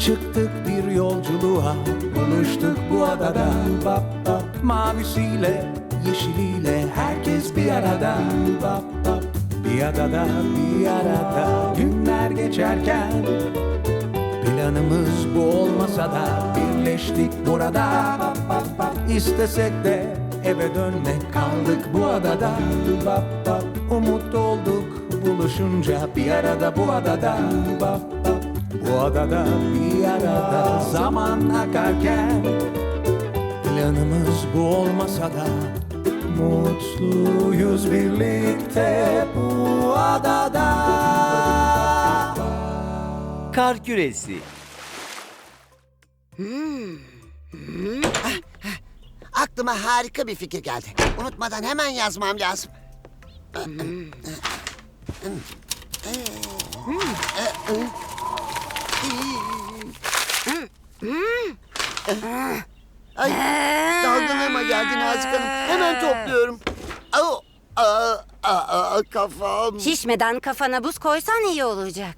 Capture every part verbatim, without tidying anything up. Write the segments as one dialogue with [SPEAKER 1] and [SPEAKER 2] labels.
[SPEAKER 1] Çıktık bir yolculuğa, buluştuk bu adada. Bap bap, mavisiyle, yeşiliyle herkes bir arada. Bap bap, bir adada, bir arada. Günler geçerken planımız bu olmasa da birleştik burada. Bap bap bap, istesek de eve dönmek, kaldık bu adada. Bap bap, umut olduk buluşunca bir arada bu adada. Bap bap, bu adada bir arada. Zaman akarken planımız bu olmasa da mutluyuz birlikte bu adada.
[SPEAKER 2] Kar küresi.
[SPEAKER 3] Aklıma harika bir fikir geldi. Unutmadan hemen yazmam lazım. Ay, dalgınlığıma geldi Nazik Hanım. Hemen topluyorum. Au, aa, aa, kafam.
[SPEAKER 4] Şişmeden kafana buz koysan iyi olacak.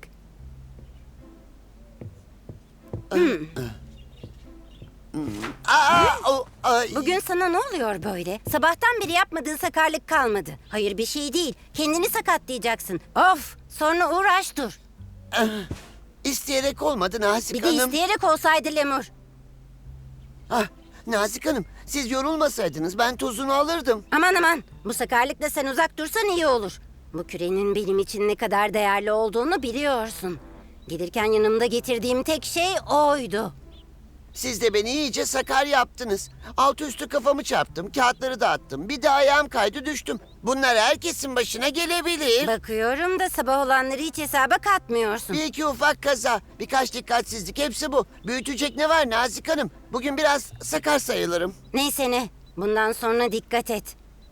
[SPEAKER 3] Aa, au, ay.
[SPEAKER 4] Bugün sana ne oluyor böyle? Sabahtan beri yapmadığın sakarlık kalmadı. Hayır bir şey değil. Kendini sakatlayacaksın. Of! Sonra uğraş dur.
[SPEAKER 3] İsteyerek olmadı Nazik
[SPEAKER 4] Bir de
[SPEAKER 3] Hanım.
[SPEAKER 4] isteyerek olsaydı Lemur.
[SPEAKER 3] Ah, Nazik Hanım, siz yorulmasaydınız ben tozunu alırdım.
[SPEAKER 4] Aman aman. Bu sakarlıkla sen uzak dursan iyi olur. Bu kürenin benim için ne kadar değerli olduğunu biliyorsun. Gelirken yanımda getirdiğim tek şey oydu.
[SPEAKER 3] Siz de beni iyice sakar yaptınız. Altı üstü kafamı çarptım, kağıtları dağıttım. Bir de ayağım kaydı düştüm. Bunlar herkesin başına gelebilir.
[SPEAKER 4] Bakıyorum da sabah olanları hiç hesaba katmıyorsun.
[SPEAKER 3] Bir iki ufak kaza, birkaç dikkatsizlik hepsi bu. Büyütecek ne var Nazik Hanım? Bugün biraz sakar sayılırım.
[SPEAKER 4] Neyse ne. Bundan sonra dikkat et.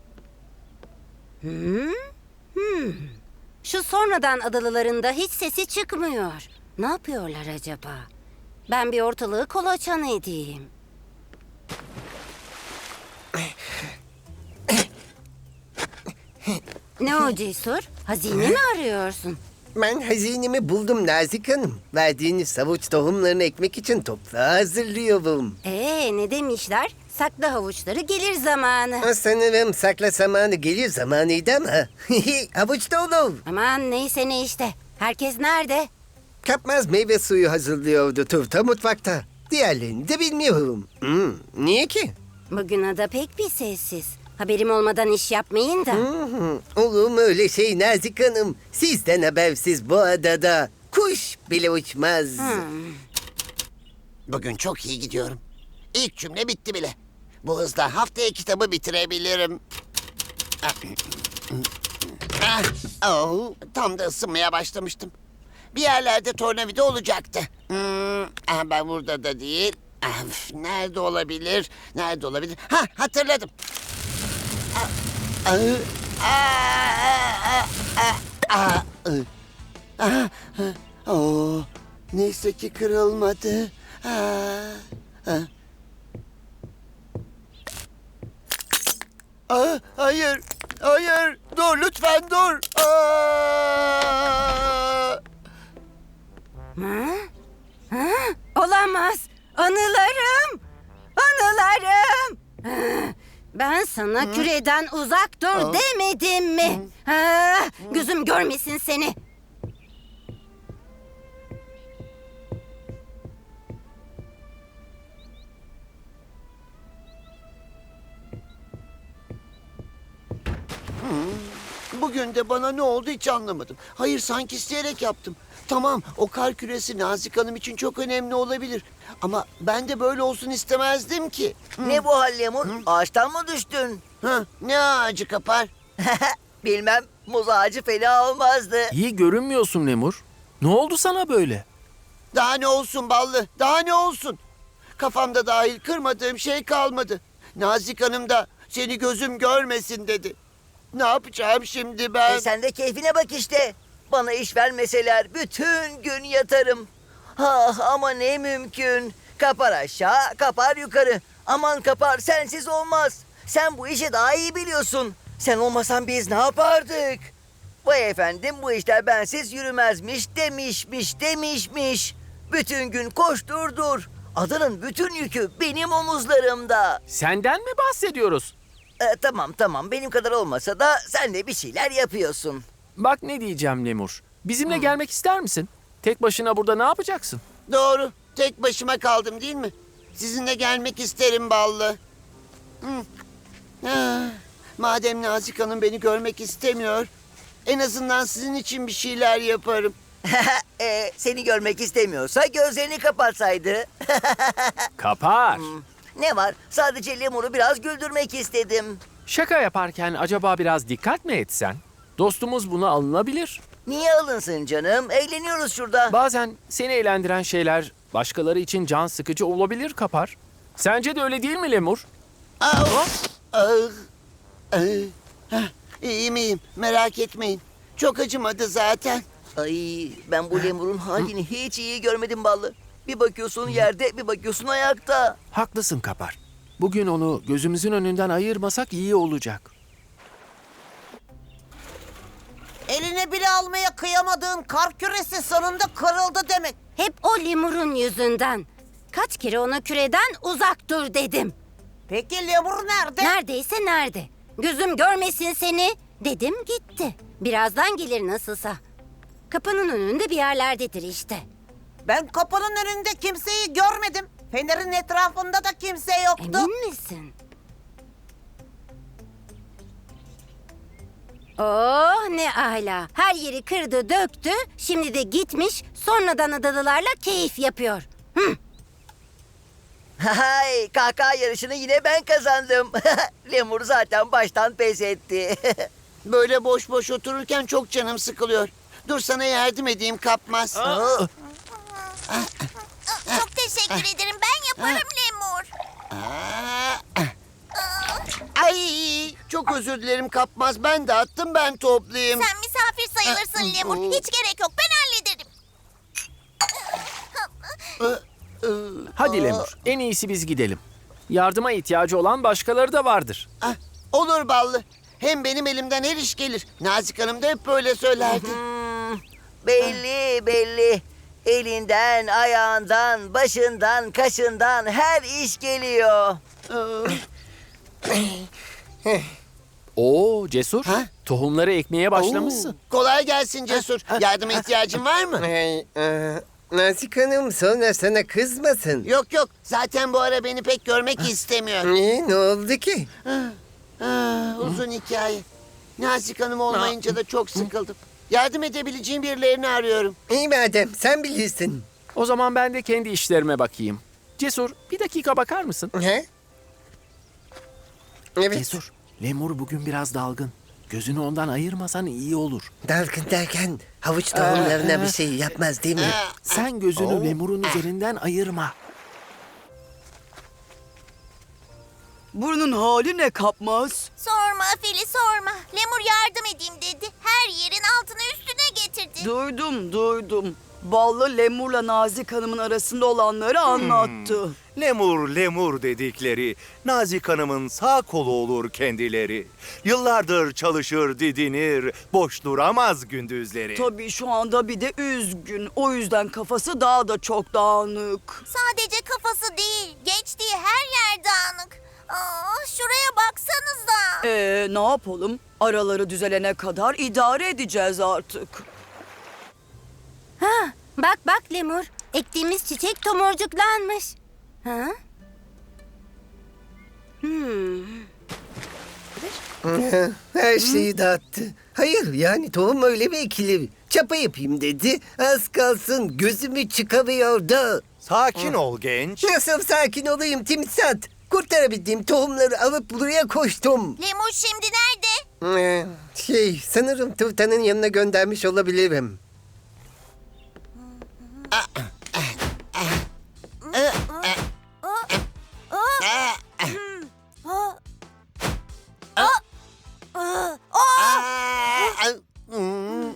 [SPEAKER 4] Hmm? Hmm. Şu sonradan adalılarında hiç sesi çıkmıyor. Ne yapıyorlar acaba? Ben bir ortalığı kolaçan edeyim. Ne o Cesur? Hazine mi arıyorsun?
[SPEAKER 5] Ben hazinemi buldum Nazik Hanım. Verdiğiniz savuç tohumlarını ekmek için toprağı hazırlıyorum.
[SPEAKER 4] Ee, ne demişler? Sakla havuçları gelir zamanı.
[SPEAKER 5] Sanırım sakla zamanı gelir zamanıydı ama. Havuç da olur.
[SPEAKER 4] Aman neyse ne işte. Herkes nerede?
[SPEAKER 5] Kapmaz meyve suyu hazırlıyordu Turta mutfakta. Diğerlerini de bilmiyorum. Hmm, niye ki?
[SPEAKER 4] Bugün ada pek bir sessiz. Haberim olmadan iş yapmayın da.
[SPEAKER 5] Hmm, olur mu öyle şey Nazik Hanım? Sizden habersiz bu adada kuş bile uçmaz.
[SPEAKER 4] Hmm.
[SPEAKER 3] Bugün çok iyi gidiyorum. İlk cümle bitti bile. Bu hızla haftaya kitabı bitirebilirim. Ah, oh, tam da ısınmaya başlamıştım. Bir yerlerde tornavida olacaktı. Hmm, ah, ben burada da değil. Ah, üf, nerede olabilir? Nerede olabilir? Ha, hatırladım. Ah, ah, ah, ah, ah, ah, ah, ah, oh, neyse ki kırılmadı. Ah, ah. Ah, hayır, hayır, dur lütfen dur. Ah!
[SPEAKER 4] Ha? Ha? Olamaz. Anılarım. Anılarım. Ha, ben sana küreden uzak dur demedim mi? Ha, gözüm görmesin seni.
[SPEAKER 3] Bugün de bana ne oldu hiç anlamadım. Hayır sanki isteyerek yaptım. Tamam o kar küresi Nazik Hanım için çok önemli olabilir. Ama ben de böyle olsun istemezdim ki.
[SPEAKER 6] Ne bu hal Lemur? Ağaçtan mı düştün?
[SPEAKER 3] Ha, ne ağacı kapar?
[SPEAKER 6] Bilmem, muz ağacı fena olmazdı.
[SPEAKER 2] İyi görünmüyorsun Lemur. Ne oldu sana böyle?
[SPEAKER 3] Daha ne olsun ballı, daha ne olsun? Kafamda dahil kırmadığım şey kalmadı. Nazik Hanım da seni gözüm görmesin dedi. Ne yapacağım şimdi ben?
[SPEAKER 6] E sen de keyfine bak işte. Bana iş vermeseler bütün gün yatarım. Ah ama ne mümkün. Kapar aşağı, kapar yukarı. Aman kapar, sensiz olmaz. Sen bu işi daha iyi biliyorsun. Sen olmasan biz ne yapardık? Vay efendim bu işler bensiz yürümezmiş demişmiş demişmiş. Bütün gün koştur dur. Adanın bütün yükü benim omuzlarımda.
[SPEAKER 2] Senden mi bahsediyoruz?
[SPEAKER 6] E, tamam tamam benim kadar olmasa da sen de bir şeyler yapıyorsun.
[SPEAKER 2] Bak ne diyeceğim Lemur. Bizimle gelmek ister misin? Tek başına burada ne yapacaksın?
[SPEAKER 3] Doğru. Tek başıma kaldım değil mi? Sizinle gelmek isterim Ballı. Hı. Ah, madem Nazik Hanım beni görmek istemiyor, en azından sizin için bir şeyler yaparım.
[SPEAKER 6] e, seni görmek istemiyorsa gözlerini kapatsaydı.
[SPEAKER 2] Kapar.
[SPEAKER 6] Ne var? Sadece Lemur'u biraz güldürmek istedim.
[SPEAKER 2] Şaka yaparken acaba biraz dikkat mi etsen? Dostumuz buna alınabilir.
[SPEAKER 6] Niye alınsın canım? Eğleniyoruz şurada.
[SPEAKER 2] Bazen seni eğlendiren şeyler başkaları için can sıkıcı olabilir Kapar. Sence de öyle değil mi Lemur?
[SPEAKER 3] Ah, ah, ah. Hah, İyi miyim? Merak etmeyin. Çok acımadı zaten.
[SPEAKER 6] Ay ben bu Lemur'un halini hiç iyi görmedim Ballı. Bir bakıyorsun yerde, bir bakıyorsun ayakta.
[SPEAKER 2] Haklısın Kapar. Bugün onu gözümüzün önünden ayırmasak iyi olacak.
[SPEAKER 7] Eline bile almaya kıyamadığın kar küresi sonunda kırıldı demek.
[SPEAKER 4] Hep o lemurun yüzünden. Kaç kere ona küreden uzak dur dedim.
[SPEAKER 7] Peki lemur nerede?
[SPEAKER 4] Neredeyse nerede? Gözüm görmesin seni dedim gitti. Birazdan gelir nasılsa. Kapının önünde bir yerlerdedir işte.
[SPEAKER 7] Ben kapının önünde kimseyi görmedim. Fenerin etrafında da kimse yoktu.
[SPEAKER 4] Emin misin? Oh ne ala. Her yeri kırdı döktü. Şimdi de gitmiş sonradan adalılarla keyif yapıyor. Hı.
[SPEAKER 6] Hay kahkaha yarışını yine ben kazandım. Lemur zaten baştan pes etti.
[SPEAKER 3] Böyle boş boş otururken çok canım sıkılıyor. Dur sana yardım edeyim Kapmaz.
[SPEAKER 8] Çok teşekkür ederim. Ben yaparım Lemur.
[SPEAKER 3] Ay, çok özür dilerim Kapmaz. Ben dağıttım, ben toplayayım.
[SPEAKER 8] Sen misafir sayılırsın Lemur. Hiç gerek yok. Ben hallederim.
[SPEAKER 2] Hadi Lemur, en iyisi biz gidelim. Yardıma ihtiyacı olan başkaları da vardır.
[SPEAKER 3] Ah, olur Ballı. Hem benim elimden her iş gelir. Nazik Hanım da hep böyle söylerdi.
[SPEAKER 6] Hmm, belli belli. Elinden, ayağından, başından, kaşından her iş geliyor.
[SPEAKER 2] Oo Cesur,
[SPEAKER 3] Ha?
[SPEAKER 2] tohumları ekmeye başlamışsın.
[SPEAKER 3] Kolay gelsin Cesur. Yardıma ihtiyacın var mı?
[SPEAKER 5] Hey, e, Nazik Hanım sonra sana kızmasın.
[SPEAKER 3] Yok yok. Zaten bu ara beni pek görmek istemiyor.
[SPEAKER 5] Niye, ne oldu ki?
[SPEAKER 3] Ah, uzun hikaye. Nazik Hanım olmayınca da çok sıkıldım. Yardım edebileceğim birilerini arıyorum.
[SPEAKER 5] İyi madem sen bilirsin.
[SPEAKER 2] O zaman ben de kendi işlerime bakayım. Cesur, bir dakika bakar mısın?
[SPEAKER 5] He? Evet.
[SPEAKER 2] Cesur, Lemur bugün biraz dalgın. Gözünü ondan ayırmasan iyi olur.
[SPEAKER 5] Dalgın derken havuç tohumlarına bir şey yapmaz değil mi?
[SPEAKER 2] Sen gözünü Lemur'un üzerinden ayırma.
[SPEAKER 9] Burnun hali ne Kapmaz?
[SPEAKER 8] Sorma Fili sorma. Lemur yardım edeyim dedi. Her yerin altına üstüne getirdi.
[SPEAKER 9] Duydum duydum. Ballı Lemur'la Nazik Hanım'ın arasında olanları anlattı.
[SPEAKER 10] Lemur lemur dedikleri Nazik Hanım'ın sağ kolu olur kendileri. Yıllardır çalışır didinir, boş duramaz gündüzleri.
[SPEAKER 9] Tabii şu anda bir de üzgün. O yüzden kafası daha da çok dağınık.
[SPEAKER 8] Sadece kafası değil. Geçtiği her yer dağınık. Aa, şuraya baksanıza.
[SPEAKER 9] Ee ne yapalım? Araları düzelene kadar idare edeceğiz artık.
[SPEAKER 4] Ha, bak bak lemur. Ektiğimiz çiçek tomurcuklanmış. Ha? Hmm.
[SPEAKER 5] Her şeyi dağıttı. Hayır yani tohum öyle mi ekilir? Çapa yapayım dedi. Az kalsın gözümü çıkamıyordu.
[SPEAKER 10] Sakin ol genç.
[SPEAKER 5] Nasıl sakin olayım Timsat? Kurtarabildiğim tohumları alıp buraya koştum.
[SPEAKER 8] Lemur şimdi nerede?
[SPEAKER 5] Ee, şey sanırım Tuğtan'ın yanına göndermiş olabilirim.
[SPEAKER 3] Ah, hmm.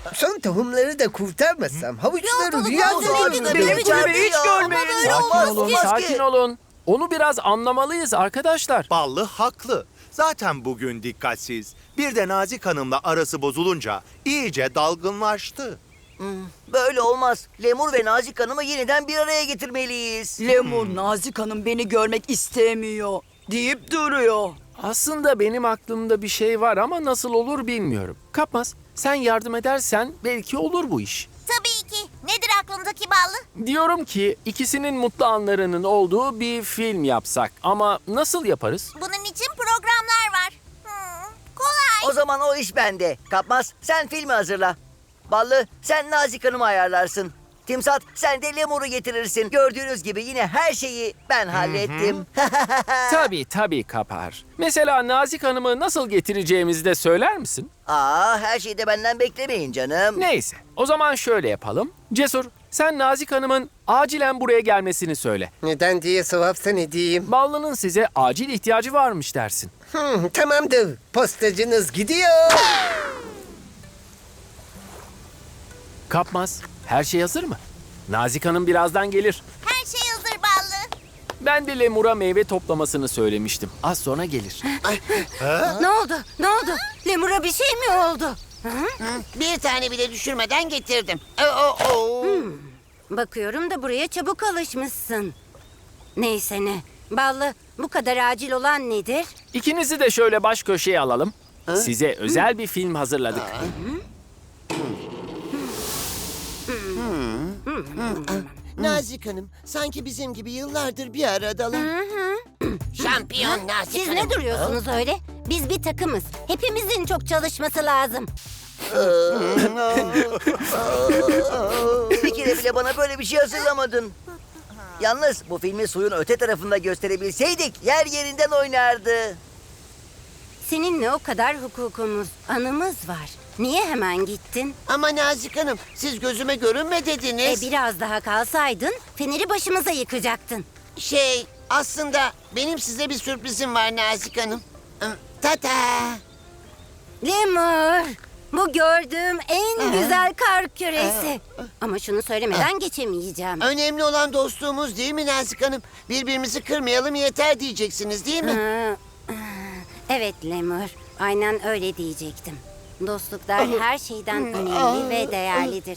[SPEAKER 5] Son tohumları da kurtarmasam havuçları
[SPEAKER 7] Yok,
[SPEAKER 5] rüya
[SPEAKER 7] yok,
[SPEAKER 5] görür.
[SPEAKER 7] yok,
[SPEAKER 9] Benim
[SPEAKER 7] yok,
[SPEAKER 9] kulübü
[SPEAKER 7] yok,
[SPEAKER 9] hiç
[SPEAKER 7] yok.
[SPEAKER 9] görmeyin.
[SPEAKER 7] Ama böyle
[SPEAKER 2] Sakin
[SPEAKER 7] olmaz
[SPEAKER 2] olun,
[SPEAKER 7] ki.
[SPEAKER 2] sakin olun. Onu biraz anlamalıyız arkadaşlar.
[SPEAKER 10] Ballı haklı. Zaten bugün dikkatsiz. Bir de Nazik Hanım'la arası bozulunca iyice dalgınlaştı.
[SPEAKER 6] Böyle olmaz. Lemur ve Nazik Hanım'ı yeniden bir araya getirmeliyiz.
[SPEAKER 9] Lemur, Nazik Hanım beni görmek istemiyor deyip duruyor.
[SPEAKER 2] Aslında benim aklımda bir şey var ama nasıl olur bilmiyorum. Kapmaz, sen yardım edersen belki olur bu iş.
[SPEAKER 8] Tabii ki. Nedir aklındaki Ballı?
[SPEAKER 2] Diyorum ki ikisinin mutlu anlarının olduğu bir film yapsak. Ama nasıl yaparız?
[SPEAKER 8] Bunun için programlar var. Hmm, kolay.
[SPEAKER 6] O zaman o iş bende. Kapmaz, sen filmi hazırla. Ballı, sen Nazik Hanım'ı ayarlarsın. Timsat, sen de Lemur'u getirirsin. Gördüğünüz gibi yine her şeyi ben hallettim.
[SPEAKER 2] Tabii tabii Kapar. Mesela Nazik Hanım'ı nasıl getireceğimizi de söyler misin?
[SPEAKER 6] Aa, her şeyi de benden beklemeyin canım.
[SPEAKER 2] Neyse, o zaman şöyle yapalım. Cesur, sen Nazik Hanım'ın acilen buraya gelmesini söyle.
[SPEAKER 5] Neden diye sorarsan edeyim.
[SPEAKER 2] Ballı'nın size acil ihtiyacı varmış dersin.
[SPEAKER 5] Hmm, tamamdır. Postacınız gidiyor.
[SPEAKER 2] Kapmaz, her şey hazır mı? Nazik Hanım birazdan gelir.
[SPEAKER 8] Her şey hazır Ballı.
[SPEAKER 2] Ben de Lemur'a meyve toplamasını söylemiştim. Az sonra gelir.
[SPEAKER 4] Ne oldu? Ne oldu? Lemur'a bir şey mi oldu?
[SPEAKER 3] Bir tane bile düşürmeden getirdim. Ee, o, o.
[SPEAKER 4] Bakıyorum da buraya çabuk alışmışsın. Neyse ne. Ballı, bu kadar acil olan nedir?
[SPEAKER 2] İkinizi de şöyle baş köşeye alalım. Size özel bir film hazırladık.
[SPEAKER 3] Nazik Hanım, sanki bizim gibi yıllardır bir aradalar. Şampiyon Nazik
[SPEAKER 4] Siz
[SPEAKER 3] Hanım.
[SPEAKER 4] ne duruyorsunuz öyle? Biz bir takımız. Hepimizin çok çalışması lazım.
[SPEAKER 6] Bir kere bile bana böyle bir şey hazırlamadın. Yalnız bu filmi suyun öte tarafında gösterebilseydik yer yerinden oynardı.
[SPEAKER 4] Seninle o kadar hukukumuz, anımız var. Niye hemen gittin?
[SPEAKER 3] Ama Nazik Hanım, siz gözüme görünme
[SPEAKER 4] E
[SPEAKER 3] dediniz.
[SPEAKER 4] biraz daha kalsaydın feneri başımıza yıkacaktın.
[SPEAKER 3] Şey, aslında benim size bir sürprizim var Nazik Hanım. Hmm, Tata.
[SPEAKER 4] Lemur, bu gördüğüm en güzel kar küresi. Ama şunu söylemeden geçemeyeceğim.
[SPEAKER 3] Önemli olan dostluğumuz değil mi Nazik Hanım? Birbirimizi kırmayalım yeter diyeceksiniz değil mi?
[SPEAKER 4] Ha, evet Lemur, aynen öyle diyecektim. Dostluklar her şeyden önemli ve değerlidir.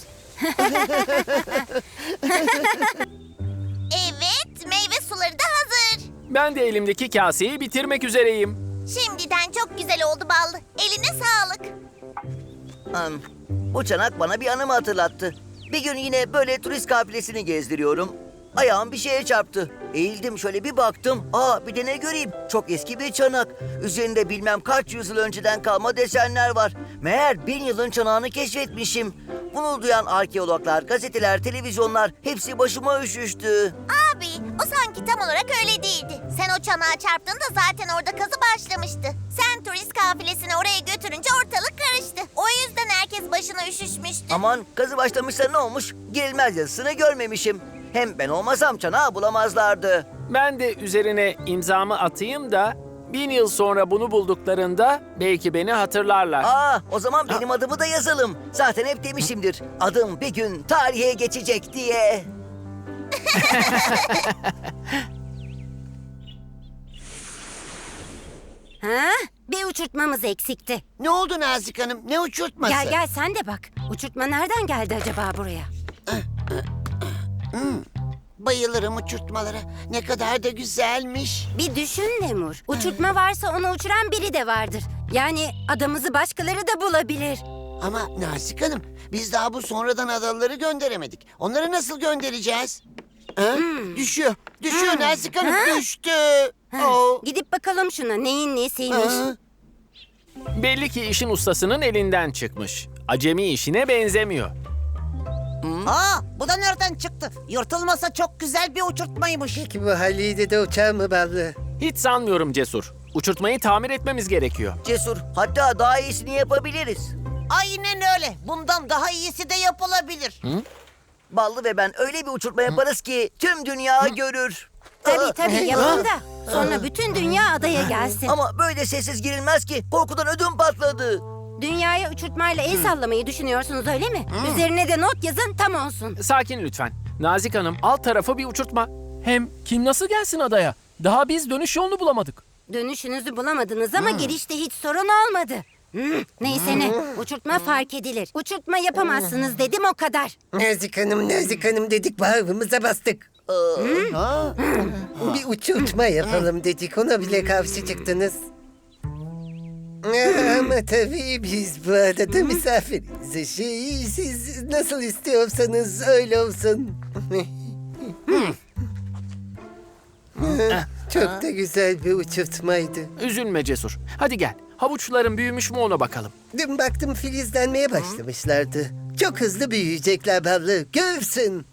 [SPEAKER 8] Evet, meyve suları da hazır.
[SPEAKER 2] Ben de elimdeki kaseyi bitirmek üzereyim.
[SPEAKER 8] Şimdiden çok güzel oldu Ballı. Eline sağlık.
[SPEAKER 6] Hmm, Bu çanak bana bir anımı hatırlattı. Bir gün yine böyle turist kafilesini gezdiriyorum. Ayağım bir şeye çarptı. Eğildim şöyle bir baktım. Aa, bir de ne göreyim? Çok eski bir çanak. Üzerinde bilmem kaç yüzyıl önceden kalma desenler var. Meğer bin yılın çanağını keşfetmişim. Bunu duyan arkeologlar, gazeteler, televizyonlar hepsi başıma üşüştü.
[SPEAKER 8] Abi, o sanki tam olarak öyle değildi. Sen o çanağa çarptığında zaten orada kazı başlamıştı. Sen turist kafilesini oraya götürünce ortalık karıştı. O yüzden herkes başına üşüşmüştü.
[SPEAKER 6] Aman, kazı başlamışsa ne olmuş? Girilmez yazısını görmemişim. Hem ben olmasam çanağı bulamazlardı.
[SPEAKER 2] Ben de üzerine imzamı atayım da bin yıl sonra bunu bulduklarında belki beni hatırlarlar.
[SPEAKER 6] Aa, o zaman benim adımı da yazalım. Zaten hep demişimdir. Adım bir gün tarihe geçecek diye.
[SPEAKER 4] Ha? Bir uçurtmamız eksikti.
[SPEAKER 3] Ne oldu Nazik Hanım? Ne uçurtması?
[SPEAKER 4] Gel gel sen de bak. Uçurtma nereden geldi acaba buraya?
[SPEAKER 3] Bayılırım uçurtmalara. Ne kadar da güzelmiş.
[SPEAKER 4] Bir düşün Lemur. Uçurtma varsa onu uçuran biri de vardır. Yani adamızı başkaları da bulabilir.
[SPEAKER 3] Ama Nazik Hanım, biz daha bu sonradan adaları gönderemedik. Onları nasıl göndereceğiz? Ha? Düşüyor. Düşüyor Nazik Hanım.
[SPEAKER 4] Ha?
[SPEAKER 3] Düştü. Oh.
[SPEAKER 4] Gidip bakalım şuna neyin nesiymiş.
[SPEAKER 3] Ha?
[SPEAKER 2] Belli ki işin ustasının elinden çıkmış. Acemi işine benzemiyor.
[SPEAKER 7] Aa, bu da nereden çıktı? Yırtılmasa çok güzel bir uçurtmaymış.
[SPEAKER 5] Peki bu haliyle de uçar mı Ballı?
[SPEAKER 2] Hiç sanmıyorum Cesur. Uçurtmayı tamir etmemiz gerekiyor.
[SPEAKER 6] Cesur, hatta daha iyisini yapabiliriz.
[SPEAKER 7] Aynen öyle. Bundan daha iyisi de yapılabilir.
[SPEAKER 6] Ballı ve ben öyle bir uçurtma yaparız ki tüm dünya görür.
[SPEAKER 4] Tabii tabii yapın da. Sonra bütün dünya adaya gelsin.
[SPEAKER 6] Ama böyle sessiz girilmez ki. Korkudan ödüm patladı.
[SPEAKER 4] dünyaya uçurtmayla el sallamayı düşünüyorsunuz öyle mi? Üzerine de not yazın tam olsun.
[SPEAKER 2] Sakin lütfen. Nazik Hanım, alt tarafı bir uçurtma. Hem kim nasıl gelsin adaya? Daha biz dönüş yolunu bulamadık.
[SPEAKER 4] Dönüşünüzü bulamadınız ama girişte hiç sorun olmadı. Hmm, neyse ne, uçurtma fark edilir. Uçurtma yapamazsınız dedim o kadar.
[SPEAKER 5] Nazik Hanım, Nazik Hanım dedik, bağrımıza bastık. Bir uçurtma yapalım dedik, ona bile karşı çıktınız. Ama tabii biz bu arada misafiriz. Şey, siz nasıl istiyorsanız öyle olsun. Çok da güzel bir uçurtmaydı.
[SPEAKER 2] Üzülme Cesur. Hadi gel. Havuçların büyümüş mü ona bakalım.
[SPEAKER 5] Dün baktım filizlenmeye başlamışlardı. Çok hızlı büyüyecekler ballı. Görürsün.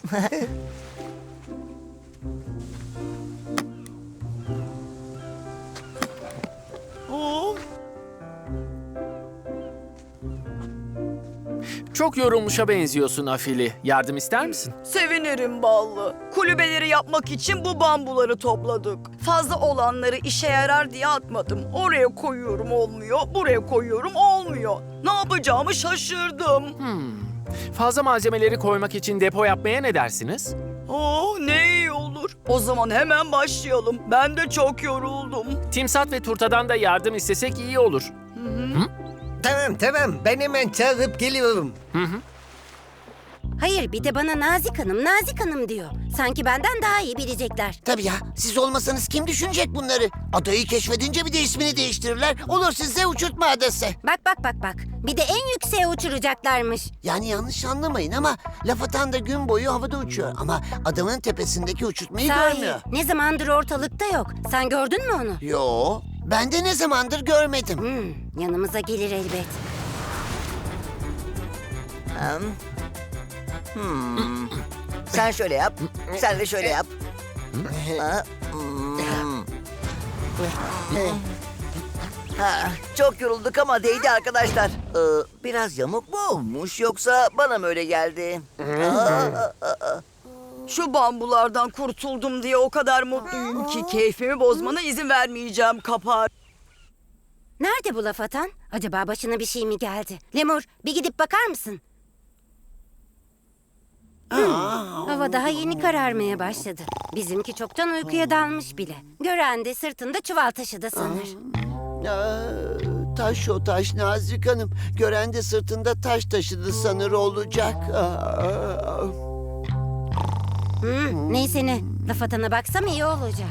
[SPEAKER 2] Çok yorulmuşa benziyorsun Afili. Yardım ister misin?
[SPEAKER 9] Sevinirim Ballı. Kulübeleri yapmak için bu bambuları topladık. Fazla olanları işe yarar diye atmadım. Oraya koyuyorum olmuyor, buraya koyuyorum olmuyor. Ne yapacağımı şaşırdım.
[SPEAKER 2] Fazla malzemeleri koymak için depo yapmaya ne dersiniz?
[SPEAKER 9] Oh, ne iyi olur. O zaman hemen başlayalım. Ben de çok yoruldum.
[SPEAKER 2] Timsat ve Turta'dan da yardım istesek iyi olur.
[SPEAKER 5] Tamam tamam, ben hemen çağırıp geliyorum.
[SPEAKER 4] Hayır bir de bana Nazik Hanım, Nazik Hanım diyor. Sanki benden daha iyi bilecekler.
[SPEAKER 3] Tabii ya, siz olmasanız kim düşünecek bunları? Adayı keşfedince bir de ismini değiştirirler. Olur size uçurtma adası.
[SPEAKER 4] Bak bak bak bak. Bir de en yükseğe uçuracaklarmış.
[SPEAKER 3] Yani yanlış anlamayın ama laf atan da gün boyu havada uçuyor. Ama adamın tepesindeki uçurtmayı görmüyor.
[SPEAKER 4] ne zamandır ortalıkta yok. Sen gördün mü onu?
[SPEAKER 3] Yo, ben de ne zamandır görmedim.
[SPEAKER 4] Hmm, yanımıza gelir elbet.
[SPEAKER 6] Hmm. Sen şöyle yap, sen de şöyle yap. Ha, hmm. Ha, çok yorulduk ama değdi arkadaşlar. Ee, biraz yamuk mu olmuş yoksa bana mı öyle geldi? Aa,
[SPEAKER 9] Şu bambulardan kurtuldum diye o kadar mutluyum ki keyfimi bozmana izin vermeyeceğim Kapar.
[SPEAKER 4] Nerede bu laf atan? Acaba başına bir şey mi geldi? Lemur bir gidip bakar mısın? Hmm, hava daha yeni kararmaya başladı. Bizimki çoktan uykuya dalmış bile. Gören de sırtında çuval taşıdı sanır.
[SPEAKER 3] Aa, taş o taş Nazik Hanım. Gören de sırtında taş taşıdı sanır olacak. Aa.
[SPEAKER 4] Hmm, neyse ne, laf atana baksam iyi olacak.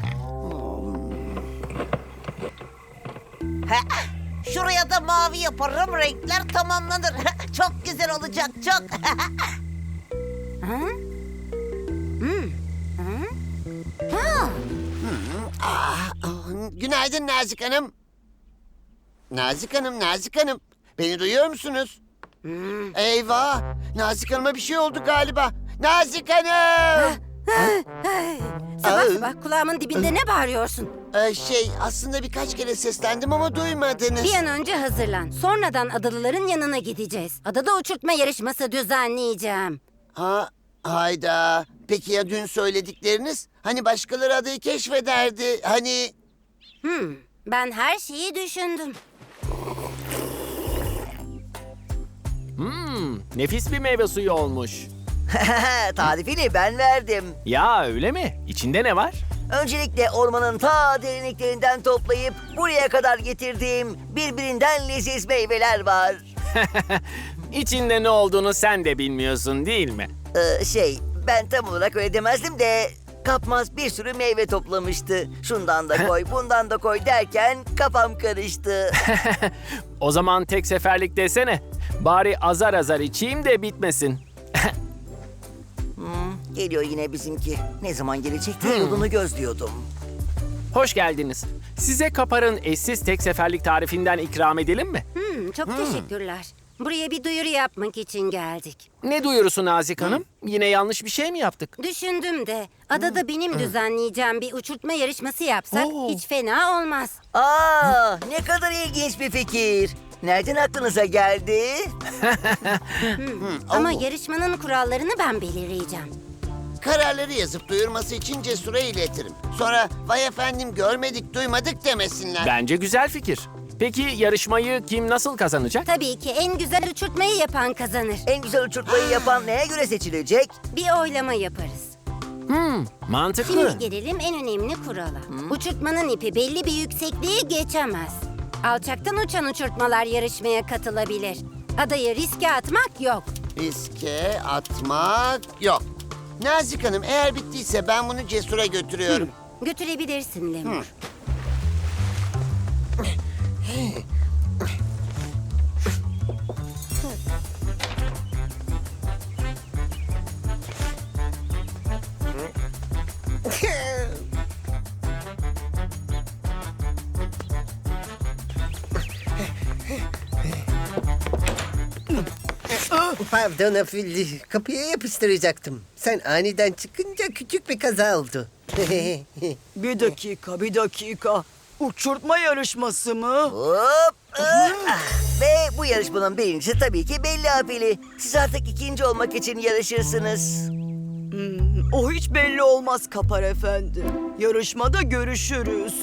[SPEAKER 7] Şuraya da mavi yaparım, renkler tamamlanır. Çok güzel olacak, çok.
[SPEAKER 4] Ha? Hmm. Ha?
[SPEAKER 3] Ah, günaydın Nazik Hanım. Nazik Hanım, Nazik Hanım. Beni duyuyor musunuz? Eyvah! Nazik Hanım'a bir şey oldu galiba. Nazik Hanım!
[SPEAKER 4] Sabah
[SPEAKER 3] Aa.
[SPEAKER 4] sabah kulağımın dibinde ne bağırıyorsun?
[SPEAKER 3] Ee, şey, aslında birkaç kere seslendim ama duymadınız.
[SPEAKER 4] Bir an önce hazırlan. Sonradan adalıların yanına gideceğiz. Adada uçurtma yarışması düzenleyeceğim.
[SPEAKER 3] Ha, hayda. Peki ya dün söyledikleriniz? Hani başkaları adayı keşfederdi. Hani...
[SPEAKER 4] Hmm, ben her şeyi düşündüm.
[SPEAKER 2] Hmm, nefis bir meyve suyu olmuş.
[SPEAKER 6] Tarifini ben verdim.
[SPEAKER 2] Ya öyle mi? İçinde ne var?
[SPEAKER 6] Öncelikle ormanın ta derinliklerinden toplayıp buraya kadar getirdiğim birbirinden leziz meyveler var.
[SPEAKER 2] İçinde ne olduğunu sen de bilmiyorsun değil mi?
[SPEAKER 6] Ee, şey, ben tam olarak öyle demezdim de Kapmaz bir sürü meyve toplamıştı. Şundan da koy, bundan da koy derken kafam karıştı.
[SPEAKER 2] O zaman tek seferlik desene. Bari azar azar içeyim de bitmesin.
[SPEAKER 6] Hmm, geliyor yine bizimki. Ne zaman gelecek diye yolunu gözlüyordum.
[SPEAKER 2] Hoş geldiniz. Size Kapar'ın eşsiz tek seferlik tarifinden ikram edelim mi?
[SPEAKER 4] Hmm, çok teşekkürler. Buraya bir duyuru yapmak için geldik.
[SPEAKER 2] Ne duyurusu Nazik Hanım? Yine yanlış bir şey mi yaptık?
[SPEAKER 4] Düşündüm de adada benim düzenleyeceğim bir uçurtma yarışması yapsak
[SPEAKER 2] Oo.
[SPEAKER 4] hiç fena olmaz.
[SPEAKER 6] Aa, ne kadar ilginç bir fikir. Nereden aklınıza geldi?
[SPEAKER 4] Ama yarışmanın kurallarını ben belirleyeceğim.
[SPEAKER 3] Kararları yazıp duyurması için Cesur'a iletirim. Sonra vay efendim görmedik duymadık demesinler.
[SPEAKER 2] Bence güzel fikir. Peki yarışmayı kim nasıl kazanacak?
[SPEAKER 4] Tabii ki en güzel uçurtmayı yapan kazanır.
[SPEAKER 6] En güzel uçurtmayı yapan neye göre seçilecek?
[SPEAKER 4] Bir oylama yaparız.
[SPEAKER 2] Hmm, mantıklı.
[SPEAKER 4] Şimdi gelelim en önemli kurala. Uçurtmanın ipi belli bir yüksekliği geçemez. Alçaktan uçan uçurtmalar yarışmaya katılabilir. Adayı riske atmak yok.
[SPEAKER 3] Riske atmak yok. Nazik Hanım eğer bittiyse ben bunu Cesur'a götürüyorum.
[SPEAKER 4] Götürebilirsin Lemur.
[SPEAKER 5] Pardon Afilli, kapıya yapıştıracaktım. Sen aniden çıkınca küçük bir kaza oldu.
[SPEAKER 9] Bir dakika, bir dakika. Uçurtma yarışması mı?
[SPEAKER 6] Hop! ah! Ve bu yarışmanın birincisi tabii ki belli Afili. Siz artık ikinci olmak için yarışırsınız.
[SPEAKER 9] Hmm, o hiç belli olmaz Kapar Efendi. Yarışmada görüşürüz.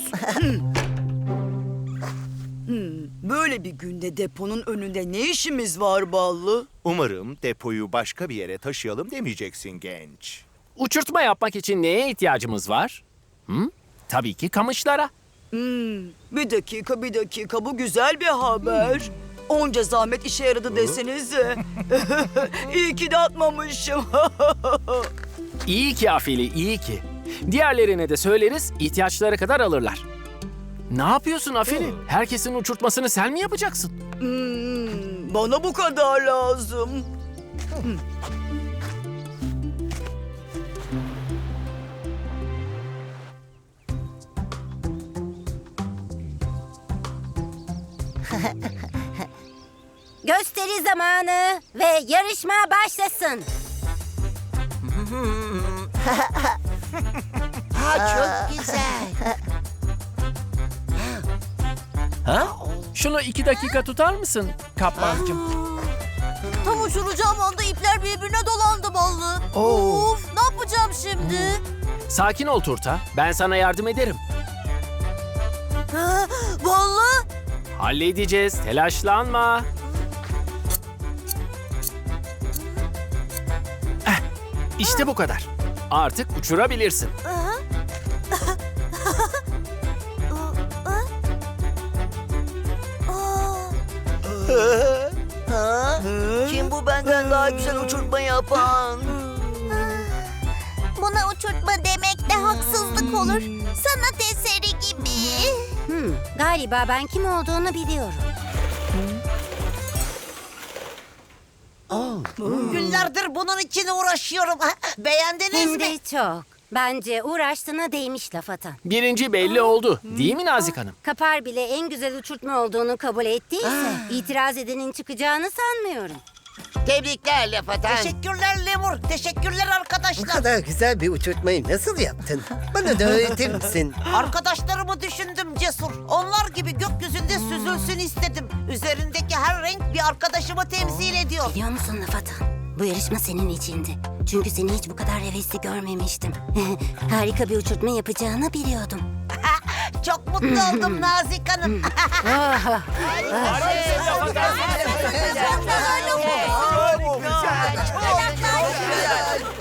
[SPEAKER 9] Hmm, böyle bir günde deponun önünde ne işimiz var Ballı?
[SPEAKER 10] Umarım depoyu başka bir yere taşıyalım demeyeceksin genç.
[SPEAKER 2] Uçurtma yapmak için neye ihtiyacımız var? Hı? Tabii ki kamışlara.
[SPEAKER 9] Hmm, bir dakika, bir dakika. Bu güzel bir haber. Onca zahmet işe yaradı desenize. İyi ki de atmamışım.
[SPEAKER 2] İyi ki Afili, iyi ki. Diğerlerine de söyleriz, ihtiyaçları kadar alırlar. Ne yapıyorsun Afili? Herkesin uçurtmasını sen mi yapacaksın?
[SPEAKER 9] Hmm, bana bu kadar lazım.
[SPEAKER 4] Gösteri zamanı ve yarışma başlasın.
[SPEAKER 3] Ha çok güzel.
[SPEAKER 2] Ha? Şunu iki dakika tutar mısın Kapmancığım?
[SPEAKER 7] Tam uçuracağım anda ipler birbirine dolandı Ballı. Of, ne yapacağım şimdi?
[SPEAKER 2] Sakin ol Turta, ben sana yardım ederim.
[SPEAKER 7] Ha, Ballı?
[SPEAKER 2] Halledeceğiz, telaşlanma. Eh, işte bu kadar. Artık uçurabilirsin.
[SPEAKER 6] Ha? Kim bu benden daha güzel uçurtma yapan?
[SPEAKER 8] Buna uçurtma demek de haksızlık olur. Sanat eseri gibi.
[SPEAKER 4] Hmm, galiba ben kim olduğunu biliyorum.
[SPEAKER 7] Günlerdir bunun için uğraşıyorum. Beğendiniz
[SPEAKER 4] Hem
[SPEAKER 7] mi?
[SPEAKER 4] de çok. Bence uğraştığına değmiş laf atan.
[SPEAKER 2] Birinci belli oldu, değil mi Nazik Hanım?
[SPEAKER 4] Kapar bile en güzel uçurtma olduğunu kabul ettiyse itiraz edenin çıkacağını sanmıyorum.
[SPEAKER 3] Tebrikler laf atan.
[SPEAKER 7] Teşekkürler Lemur. Teşekkürler
[SPEAKER 5] Bu
[SPEAKER 7] arkadaşlar.
[SPEAKER 5] kadar güzel bir uçurtmayı nasıl yaptın? Bana da öğretir misin?
[SPEAKER 7] Arkadaşlarımı düşündüm Cesur. Onlar gibi gökyüzünde süzülsün istedim. Üzerindeki her renk bir arkadaşımı temsil ediyor.
[SPEAKER 4] Biliyor musun laf atan? Bu yarışma senin içindi. Çünkü seni hiç bu kadar hevesli görmemiştim. Harika bir uçurtma yapacağını biliyordum.
[SPEAKER 7] Çok mutlu oldum Nazik Hanım.
[SPEAKER 8] Çok güzel.